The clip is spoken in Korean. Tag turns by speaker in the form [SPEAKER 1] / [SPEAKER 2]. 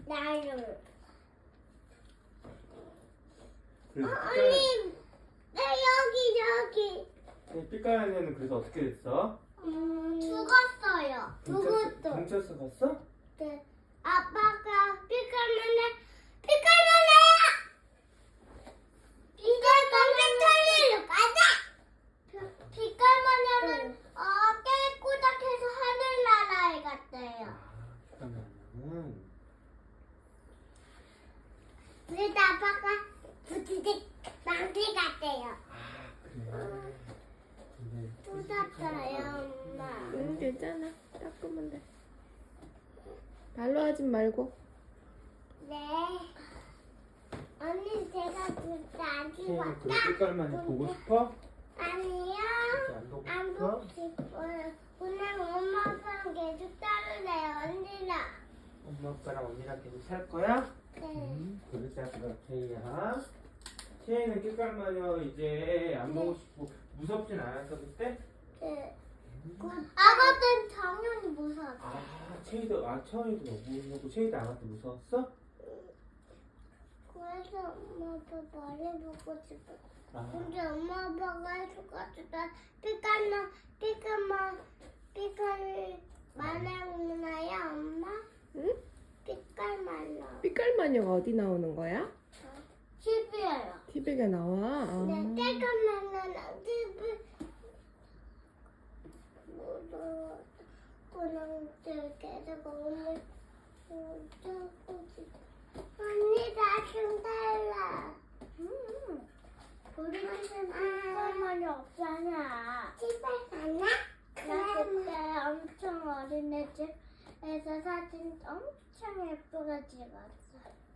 [SPEAKER 1] 나를.
[SPEAKER 2] 그래서
[SPEAKER 1] 언니, 나 여기.
[SPEAKER 2] 삐까야는 그래서 어떻게 됐어?
[SPEAKER 1] 죽었어요. 누구도.
[SPEAKER 2] 경찰서 갔어?
[SPEAKER 1] 네. 아빠가 삐까면은 이제 경찰서로 가자. 삐까면은 깨꼬닥해서 하늘나라에 갔대요.
[SPEAKER 2] 그러면은
[SPEAKER 1] 그래서 아빠가 부티직 망치 갔대요.
[SPEAKER 2] 그래. 근데
[SPEAKER 1] 쏟았어요, 엄마.
[SPEAKER 3] 응, 괜찮아. 닦으면 돼. 발로 하지 말고.
[SPEAKER 1] 네. 언니 제가 진짜 안
[SPEAKER 2] 태연이 그
[SPEAKER 1] 찍었다.
[SPEAKER 2] 삐까만 보고 싶어?
[SPEAKER 1] 아니요.
[SPEAKER 2] 안 보고
[SPEAKER 1] 안
[SPEAKER 2] 싶어?
[SPEAKER 1] 보고 싶어요. 오늘 엄마 아빠랑 계속 따르래요, 언니랑.
[SPEAKER 2] 엄마 아빠랑 언니랑 계속 살 거야?
[SPEAKER 1] 네.
[SPEAKER 2] 그러자 그럼 태희야. 태희는 삐까마녀 이제 안 보고 싶고 무섭진 않았어 그때?
[SPEAKER 1] 네. 아가는 당연히 무서웠어.
[SPEAKER 2] 채희도 채원이도 너무 무섭고 채희도 아가도 무서웠어?
[SPEAKER 1] 그래서 엄마 아빠 말해보고 싶어.
[SPEAKER 2] 아,
[SPEAKER 1] 근데 엄마 아빠가 해줘가지고 나 삐까를 말해오나요, 엄마?
[SPEAKER 3] 응?
[SPEAKER 1] 삐까를 말로.
[SPEAKER 3] 삐깔마녀가 어디 나오는 거야?
[SPEAKER 1] TV예요.
[SPEAKER 3] TV에 나와.
[SPEAKER 1] 네, 삐까말로는 TV 무서워. 그냥 계속 오늘 언니 나좀 달라. 우리는 삐까말이 없잖아. 집에 가나? 나 그때 엄청 어린애 집에서 사진 엄청 예쁘게 찍었어.